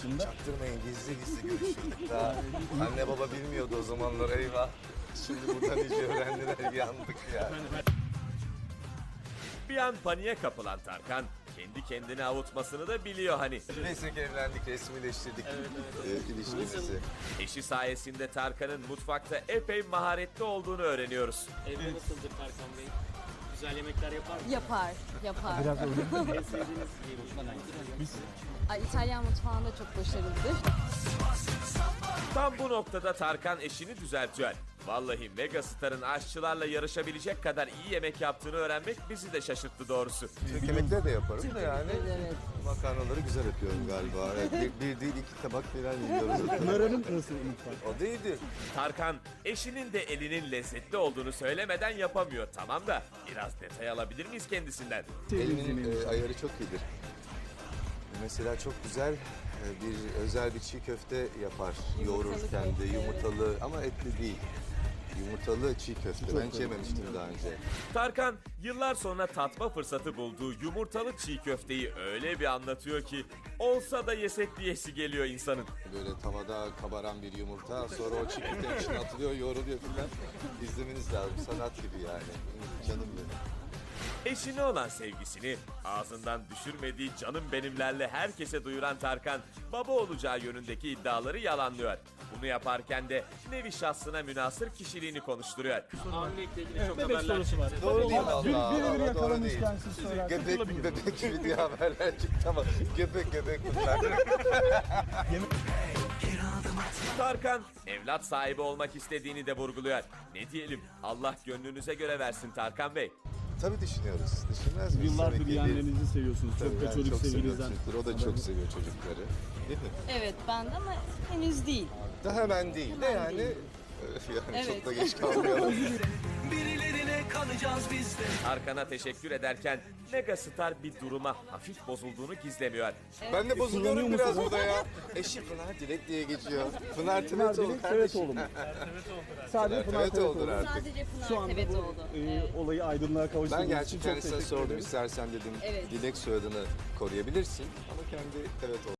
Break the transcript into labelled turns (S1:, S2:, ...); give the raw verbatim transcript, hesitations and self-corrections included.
S1: Çaktırmayın, gizli gizli görüşürdük daha. Anne baba bilmiyordu o zamanlar, eyvah. Şimdi buradan iyice öğrendiler, yandık ya.
S2: Bir an paniğe kapılan Tarkan kendi kendini avutmasını da biliyor hani.
S1: Neyse ki evlendik, resmileştirdik evet, evet. E, ilişkimizi.
S2: Eşi sayesinde Tarkan'ın mutfakta epey maharetli olduğunu öğreniyoruz.
S3: Evde nasıldır Tarkan Bey? Güzel yemekler yapar mı?
S4: Yapar, yapar.
S3: En sevdiğiniz yemeği
S4: Ay, İtalyan mutfağında çok başarılıdır.
S2: Tam bu noktada Tarkan eşini düzeltiyor. Vallahi Megastar'ın aşçılarla yarışabilecek kadar iyi yemek yaptığını öğrenmek bizi de şaşırttı doğrusu.
S1: Türk yemekleri de yaparım da yani.
S4: Evet.
S1: Makarnaları güzel yapıyorum galiba. Evet, bir, bir değil iki tabak falan yiyoruz.
S5: Pınar'ın nasıl mutfak?
S1: O değildi.
S2: Tarkan eşinin de elinin lezzetli olduğunu söylemeden yapamıyor. Tamam da biraz detay alabilir miyiz kendisinden?
S1: Elimin e, ayarı çok iyidir. Mesela çok güzel e, bir özel bir çiğ köfte yapar. Yoğururken de yumurtalı ama etli değil. Yumurtalı çiğ köfte. Ben hiç yememiştim daha önce.
S2: Tarkan yıllar sonra tatma fırsatı bulduğu yumurtalı çiğ köfteyi öyle bir anlatıyor ki olsa da yesek diyesi geliyor insanın.
S1: Böyle tavada kabaran bir yumurta, sonra o çiğ köftenin içine atılıyor, yoğruluyor filan. İzlemeniz lazım. Sanat gibi yani. Canım benim.
S2: Eşine olan sevgisini ağzından düşürmediği canım benimlerle herkese duyuran Tarkan, baba olacağı yönündeki iddiaları yalanlıyor. Bunu yaparken de nevi şahsına münhasır kişiliğini konuşturuyor.
S3: Hamilelikle ilgili çok
S5: Bebek
S3: haberler
S5: sorusu var.
S3: çıktı.
S1: Doğru değil valla.
S5: Birebir
S1: Valla doğru
S5: yakalamış
S1: değil.
S5: kendisi sorarsa
S1: Göbek,
S5: olabilir.
S1: bebek gibi diye haberler çıktı ama göbek göbek bunlar.
S2: Tarkan evlat sahibi olmak istediğini de vurguluyor. Ne diyelim, Allah gönlünüze göre versin Tarkan Bey.
S1: Tabii düşünüyoruz. Düşünmez miyiz?
S5: Yıllardır
S1: Tabii ki
S5: yeğenlerinizi seviyorsunuz.
S1: Tabii
S5: Çok da
S1: ben
S5: çocuk
S1: çok seviyorum
S5: sevinizden.
S1: çocukları. O da çok seviyor çocukları. Değil mi?
S4: Evet, ben de ama henüz değil.
S1: Daha hemen değil de
S4: Hemen
S1: yani.
S4: değil.
S1: Yani
S4: Evet.
S1: çok da geç kalmayalım.
S6: Birilerine kalacağız biz de.
S2: Tarkan'a teşekkür ederken Megastar bir duruma hafif bozulduğunu gizlemiyor.
S1: Ben de bozuluyorum
S5: Kullanıyor
S1: biraz
S5: musunuz?
S1: burada ya. Eşi Pınar Dilek diye geçiyor. Pınar
S5: Pınar
S1: Tevetoğlu
S5: Dilek
S1: kardeşim.
S5: Tevetoğlu mu? Sadece Pınar
S1: Tevetoğlu'dur
S5: Tevetoğlu.
S1: artık.
S4: Sadece Pınar
S5: Şu anda
S4: Tevetoğlu.
S5: bu e,
S4: Evet.
S5: olayı aydınlığa
S1: Ben
S5: kavuşturduğunuz için
S1: gerçi
S5: çok
S1: kendisine
S5: teşekkür
S1: sordum
S5: ederim.
S1: istersen dedim.
S4: Evet.
S1: Dilek soyadını koruyabilirsin ama kendi Tevetoğlu.